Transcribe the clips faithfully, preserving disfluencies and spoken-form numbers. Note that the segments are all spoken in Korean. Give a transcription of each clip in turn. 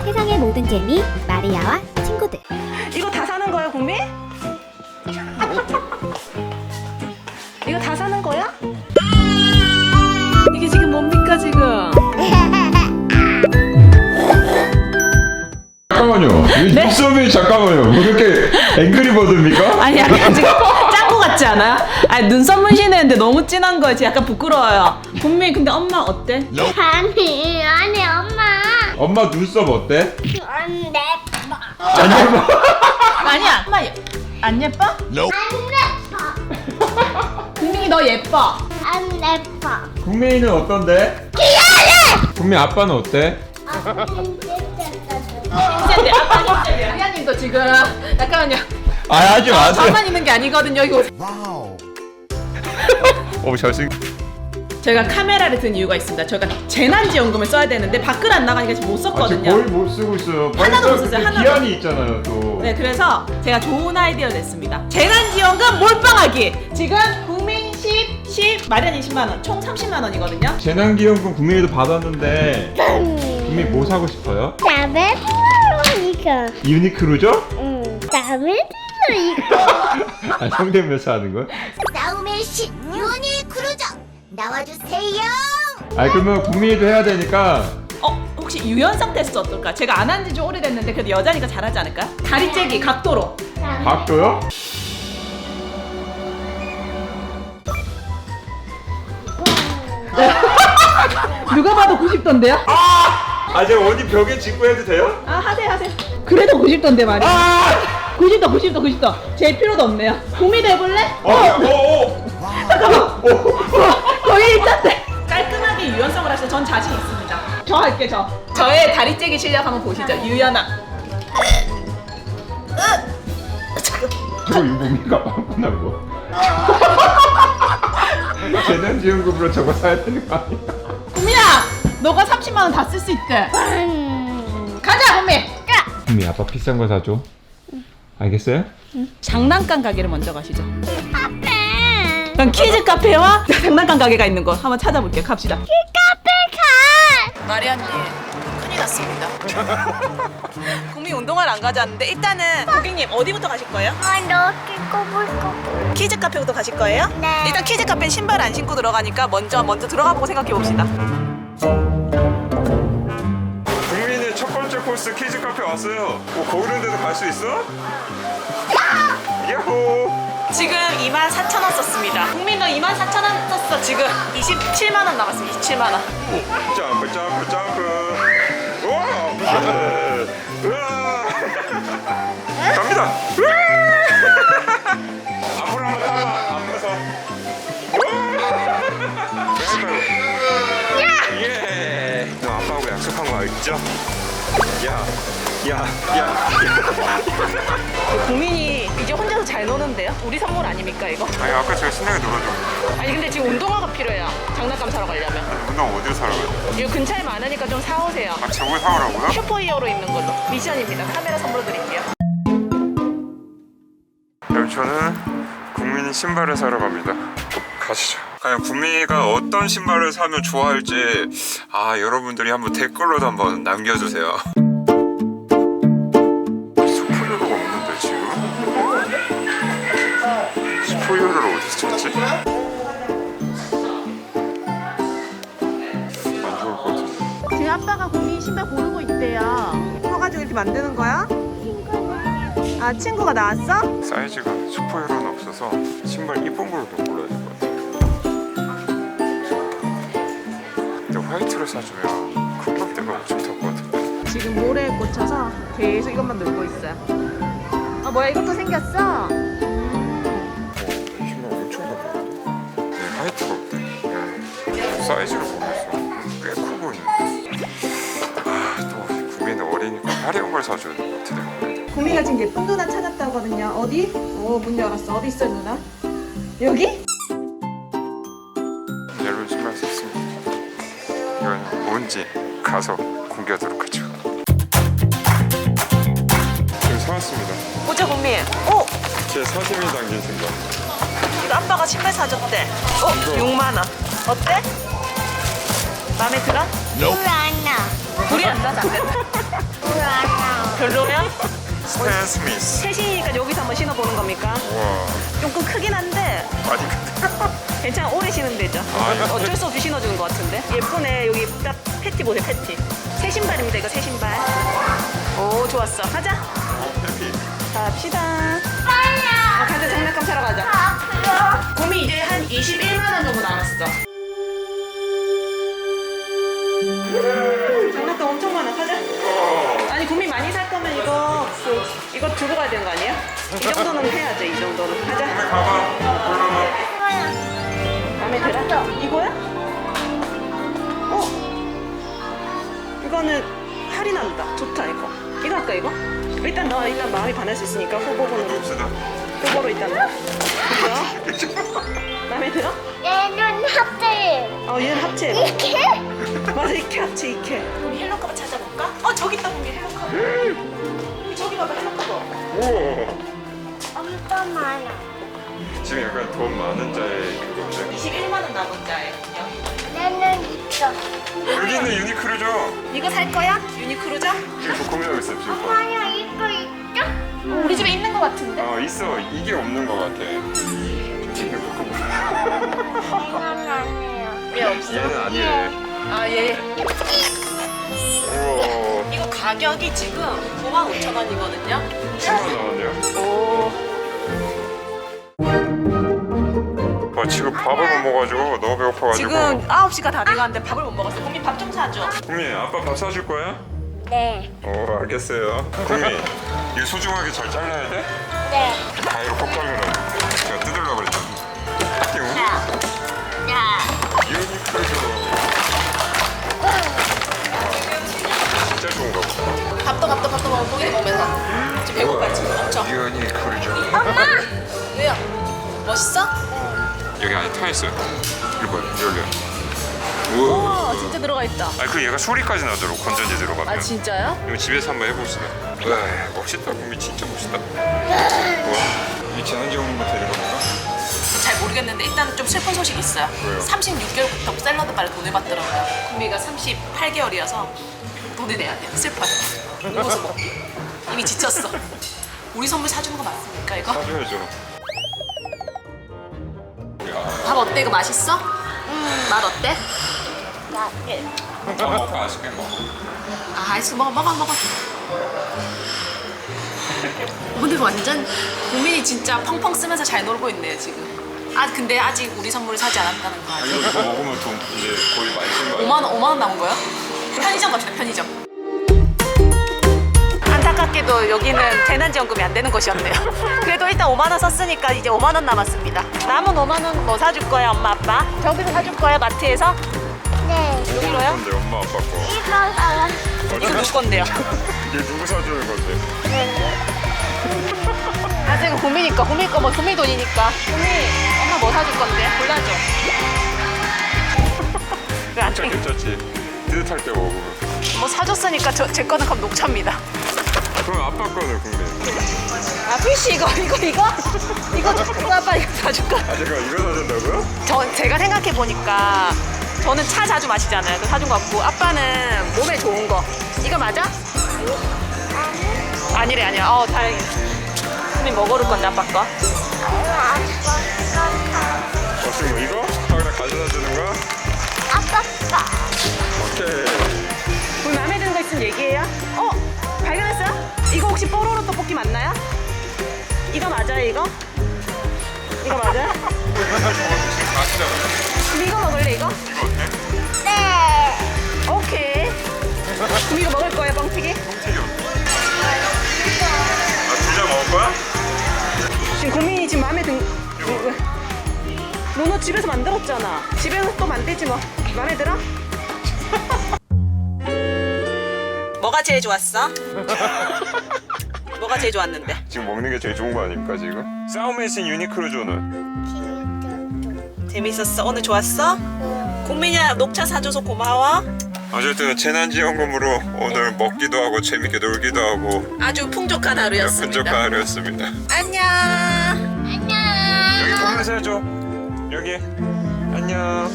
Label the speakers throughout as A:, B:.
A: 세상의 모든 재미 마리아와 친구들.
B: 이거 다 사는 거야, 국민? 이거 다 사는 거야? 이게 지금 뭡니까 지금?
C: 잠깐만요. 이
B: 네?
C: 눈썹이 잠깐만요. 뭐 이렇게 앵그리버드입니까?
B: 아니 약간 지금 짱구 같지 않아요? 아니 눈썹 문신했는데 너무 진한 거예요. 지금 약간 부끄러워요. 국민 근데 엄마 어때?
A: 아니 아니 엄마
C: 엄마 눈썹 어때?
A: 안 예뻐
C: 안 예뻐.
B: 아니야. 엄마 예- 안 예뻐?
A: 안 예뻐
B: 국민이 너 예뻐.
A: 안 예뻐
C: 국민이는 어떤데? 귀여워. 국민 아빠는 어때?
B: 힘센데 아빠 힘센데. 미아님도 지금 잠깐만요.
C: 아 하지 마세요.
B: 저만 있는 게 아니거든요. 이거
C: 오 잘생.
B: 제가 카메라를 든 이유가 있습니다. 저희가 재난지원금을 써야 되는데 밖을 안 나가니까 지금 못
C: 아직
B: 썼거든요.
C: 뭘 못 쓰고 있어요.
B: 하나도 못
C: 벌써
B: 썼어요,
C: 그때
B: 하나도.
C: 기한이 있잖아요 또.
B: 네, 그래서 제가 좋은 아이디어를 냈습니다. 재난지원금 몰빵하기. 지금 국민 십, 십, 마련 이십만 원, 총 삼십만 원이거든요.
C: 재난기금금 국민이도 받았는데 국민 뭐 사고 싶어요?
A: 다음에 또 이거
C: 유니크로죠?
A: 응 다음에 또 이거
C: 아 성대면서 하는 거야?
A: 싸움의 신 유니크루저 나와주세요.
C: 아 그러면 국민이도 해야 되니까.
B: 어, 혹시 유연성 테스트 어떨까? 제가 안 한 지 좀 오래됐는데 그래도 여자니까 잘하지 않을까? 다리 째기 각도로.
C: 각도요?
B: 누가 봐도 구십 도인데요?
C: 아 제가 어디 벽에 짚고 해도 돼요?
B: 아, 하세요, 하세요. 그래도 구십 도인데 말이야.
C: 아!
B: 구십 도, 구십 도, 구십 도. 제일 필요도 없네요. 국민도 해볼래?
C: 어, 어, 어.
B: 잠깐만.
C: 어.
B: 거의 있던데. 깔끔하게 유연성을 하셔서 전 자신 있습니다. 저 할게 저. 저의 다리 째기 실력 한번 보시죠. 유연아.
C: 저거 이거 뭡니까? 빵꾸난 거. 재난지원금으로 저거 사야 되는 거 아니야?
B: 국민아, 너가 삼십만 원 다 쓸 수 있대. 가자, 국민.
C: 국민 아빠 비싼 거 사줘. 알겠어요?
B: 장난감 가게를 먼저 가시죠. 그럼 키즈 카페와 장난감 가게가 있는 곳 한번 찾아볼게요. 갑시다.
A: 카페 가.
B: 마리아님, 큰일 났습니다. 국민 운동화를 안 가져왔는데 일단은 고객님 어디부터 가실 거예요?
A: 아 이렇게 꼬불꼬불.
B: 키즈 카페부터 가실 거예요?
A: 네.
B: 일단 키즈 카페는 신발 안 신고 들어가니까 먼저 먼저 들어가 보고 생각해 봅시다.
C: 국민이 첫 번째 코스 키즈 카페 왔어요. 뭐 거기는 데도 갈 수 있어? 야호!
B: 지금 이만 사천 원 썼습니다. 국민 너 이만 사천 원 썼어. 지금 이십칠만 원 남았습니다. 이십칠만 원.
C: 점프 점프 점프. 우와! 우와! 갑니다. 앞으로 한번 타봐. 안 무서워. 예. 너 아빠하고 약속한 거 알죠? 야, 야, 야, 야.
B: 국민이 이제 혼자서 잘 노는데요? 우리 선물 아닙니까 이거?
C: 아니 아까 제가 신나게 놀아줘.
B: 아니 근데 지금 운동화가 필요해요. 장난감 사러 가려면.
C: 운동 어디로 사러 가요?
B: 이거 근처에 많으니까 좀 사오세요.
C: 아 저걸 사오라고요?
B: 슈퍼히어로 있는 걸로. 미션입니다. 카메라 선물로 드릴게요.
C: 그럼 저는 국민이 신발을 사러 갑니다. 가시죠. 과연 국민이가 어떤 신발을 사면 좋아할지 아 여러분들이 한번 댓글로도 한번 남겨주세요. 슈퍼히어로가 없는데 지금? 슈퍼히어로를 어디서 찾지? 안 좋을 것 같은데.
B: 제 아빠가 국민 신발 고르고 있대요. 커가지고 이렇게 만드는 거야? 아 친구가 나왔어?
C: 사이즈가 슈퍼히어로는 없어서 신발 이쁜 걸로 좀 골라야 될 것 같아요. 근데 화이트를 사주면 금박대가 엄청 탈 것 같은데.
B: 지금 모래에 꽂혀서 계속 이것만 놀고 있어요. 아 뭐야 이것도 생겼어?
C: 어, 신발 엄청 가벼운데? 네, 화이트가 없대. 네. 사이즈를 보면서 꽤 커 보이는데. 아, 또 국민은 어리니까 화려한 걸 사줘야 될 것 같아 내가.
B: 국민이가 지금 예쁜 누나 찾았다거든요. 어디? 오 문 열었어. 어디 있어 누나? 여기?
C: 옐로우 신발 샀습니다. 이건 뭔지 가서 공개하도록 하죠. 지금 사왔습니다.
B: 보자 국민. 오!
C: 제 사진이 담긴 신발.
B: 이거 아빠가 신발 사줬대. 어?
C: 이거.
B: 육만 원. 어때? 마음에 들어?
A: 불안나
B: 불이 안 나지 않겠다.
A: 불
B: 별로야?
C: 스탠 스미스.
B: 셋이니까 여기서 한번 신어보는 겁니까?
C: 와,
B: 조금 크긴 한데
C: 많이 큰데.
B: 괜찮아, 오래 신으면 되죠.
C: 아, 이거-
B: 어쩔 수 없이 신어주는 것 같은데. 예쁘네. 여기 딱 패티 보세요, 패티. 새 신발입니다, 이거 새 신발. 오, 좋았어. 가자.
C: 어, 해피.
B: 갑시다.
A: 빨라.
B: 어, 가자, 장난감 사러 가자.
A: 아프요.
B: 곰이 이제 한 이십일만 원 정도 남았어. 장난감 엄청 많아. 가자. 아니, 곰이 많이 살 거면 이거 그, 이거 두고 가야 되는 거 아니야? 이 정도는 해야죠, 이 정도는. 가자.
C: 가봐. 골라봐.
B: 마음에 들어? 이거야? 어? 이거는 할인한다. 좋다, 이거. 이거 할까, 이거? 일단 너 일단 마음이 반할 수 있으니까 후보군으로.
C: 봅시다.
B: 후보로 일단 넣어. 이거? 마음에 들어?
A: 얘는 합체.
B: 어, 얘는 합체해봐.
A: 이렇게?
B: 맞아, 이케 합체, 이케. 우리 헬로커버 찾아볼까? 어, 저기 있다, 우리 헬로커버. 우리 저기 봐봐, 헬로커버.
C: 우와.
A: 엄청 많아.
C: 지금 약간 돈 많은 자의 그거인데.
B: 이십일만 원 남은 자예요.
A: 얘는 있어.
C: 여기는 유니크로죠.
B: 이거 살 거야? 유니크로죠?
C: 지금 뭐 고민하고 있어요 지금.
A: 엄마야 이거 있죠?
B: 우리 집에 있는 거 같은데?
C: 어 있어. 이게 없는 것 같아. 지금 뭐
A: 얘는 아니에요.
B: 왜 없어?
C: 얘는 아니래.
B: 아, 얘.
C: 우와.
B: 이거 가격이 지금 구만 오천 원이거든요.
C: 십만 나왔네요.
B: 오.
C: 아 지금 밥을 못 먹어가지고 너무 배고파가지고.
B: 지금 아홉 시가 다 돼가는데 밥을 못 먹었어. 국민 밥 좀 사줘.
C: 국민 아빠 밥 사줄 거야?
A: 네.
C: 어 알겠어요. 국민 이거 소중하게 잘 잘라야 돼?
A: 네.
C: 가위로 꼭 잘라라. 제가 뜯으려고 그랬잖아. 띠용.
A: 야.
C: 유니크로죠. 진짜 좋은가 보다.
B: 밥도 밥도 밥도 먹고 고기 먹으면서 지금 배고파 지금 엄청.
C: 유니크로죠.
B: 왜요? 멋있어?
C: 여기 안에 타 있어요. 이거 봐요. 열려요. 우와.
B: 우와, 진짜 들어가 있다.
C: 아 그 얘가 소리까지 나도록 건전지 들어가면.
B: 아, 진짜요?
C: 이거 집에서 한번 해봅시다. 와 멋있다. 국민 진짜 멋있다. 와. 이 재난지원금만 되는 겁니까?
B: 잘 모르겠는데 일단 좀 슬픈 소식이 있어요.
C: 왜요?
B: 삼십육 개월부터 샐러드 바를 돈을 받더라고요. 국미가 삼십팔 개월이어서 돈을 내야 돼요. 슬퍼요. 이것을 먹기. 이미 지쳤어. 우리 선물 사주는 거 맞습니까 이거?
C: 사줘야죠.
B: 밥 어때? 이거 맛있어? 음, 맛 어때?
C: 다 먹고 아이스크림 먹어.
B: 아, 아이스크림 먹어 먹어 먹어. 근데 완전 국민이 진짜 펑펑 쓰면서 잘 놀고 있네요 지금. 아 근데 아직 우리 선물을 사지 않았다는 거
C: 아
B: 아니에요?
C: 이거 더 먹으면 돈 이제 거의 많이 쓴거 아니야?
B: 오만 원, 오만 원 남은 거요? 편의점 갑시다, 편의점. 안타깝게도 여기는 재난지원금이 안 되는 곳이었네요. 그래도 일단 오만 원 썼으니까 이제 오만 원 남았습니다. 남은 오만 원 뭐 사줄 거야, 엄마, 아빠? 저기서 사줄 거야, 마트에서?
A: 네.
B: 여기로요?
C: 건데 엄마 아빠 거.
A: 이거 사라.
B: 이거 누구 건데요?
C: 이게 누구 사주는 건데?
B: 아직은 고민이니까, 고민 거 뭐, 고민 돈이니까. 고민, 엄마 뭐 사줄 건데? 골라줘. 왜안
C: 진짜
B: 땡겨?
C: 괜찮지? 뜨뜻할 때 먹으면.
B: 뭐 사줬으니까 저, 제 거는 그럼 녹차입니다.
C: 그럼 아빠 거는 국민.
B: 아, 피쉬 이거, 이거, 이거? 이거, 이거 아빠 이거 사줄까?
C: 아 제가 이거 사준다고요?
B: 저, 제가 생각해 보니까 저는 차 자주 마시잖아요. 그 사준 거 같고 아빠는 몸에 좋은 거. 이거 맞아? 아니래, 아니야. 어, 다행이네. 선생님 뭐 고를 건데, 아빠 거?
C: 어 지금 뭐 이거? 아 그냥 가져다 주는 거야?
A: 아빠 거.
C: 오케이.
B: 우리 마음에 드는 거 있으면 얘기해요. 어? 발견했어요? 이거 혹시 뽀로로 떡볶이 맞나요? 이거 맞아요, 이거? 이거 맞아요?
C: 지금 가시잖아.
B: 그럼 이거 먹을래, 이거?
C: 이거 어때?
A: 네.
B: 오케이. 그럼 이거 먹을 거예요, 뻥튀기?
C: 튀겨. 아 두자 먹을 거야?
B: 지금 고민이 지금 마음에 든... 너너 집에서 만들었잖아. 집에서 또 만들지 뭐. 마음에 들어? 뭐가 제일 좋았어? 뭐가 제일 좋았는데?
C: 지금 먹는 게 제일 좋은 거 아닙니까 지금? 싸움에신 유니크로조는
B: 재밌었어? 오늘 좋았어? 국민이야 녹차 사줘서 고마워.
C: 어쨌든 재난지원금으로 오늘 먹기도 하고 재밌게 놀기도 하고
B: 아주 풍족한 하루였습니다.
C: 분적한 하루였습니다.
B: 안녕.
A: 안녕.
C: 여기 보면서 해줘. 여기 안녕.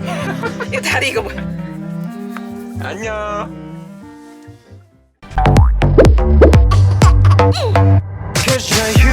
B: 이 다리 이거 뭐야?
C: 안녕.
D: 날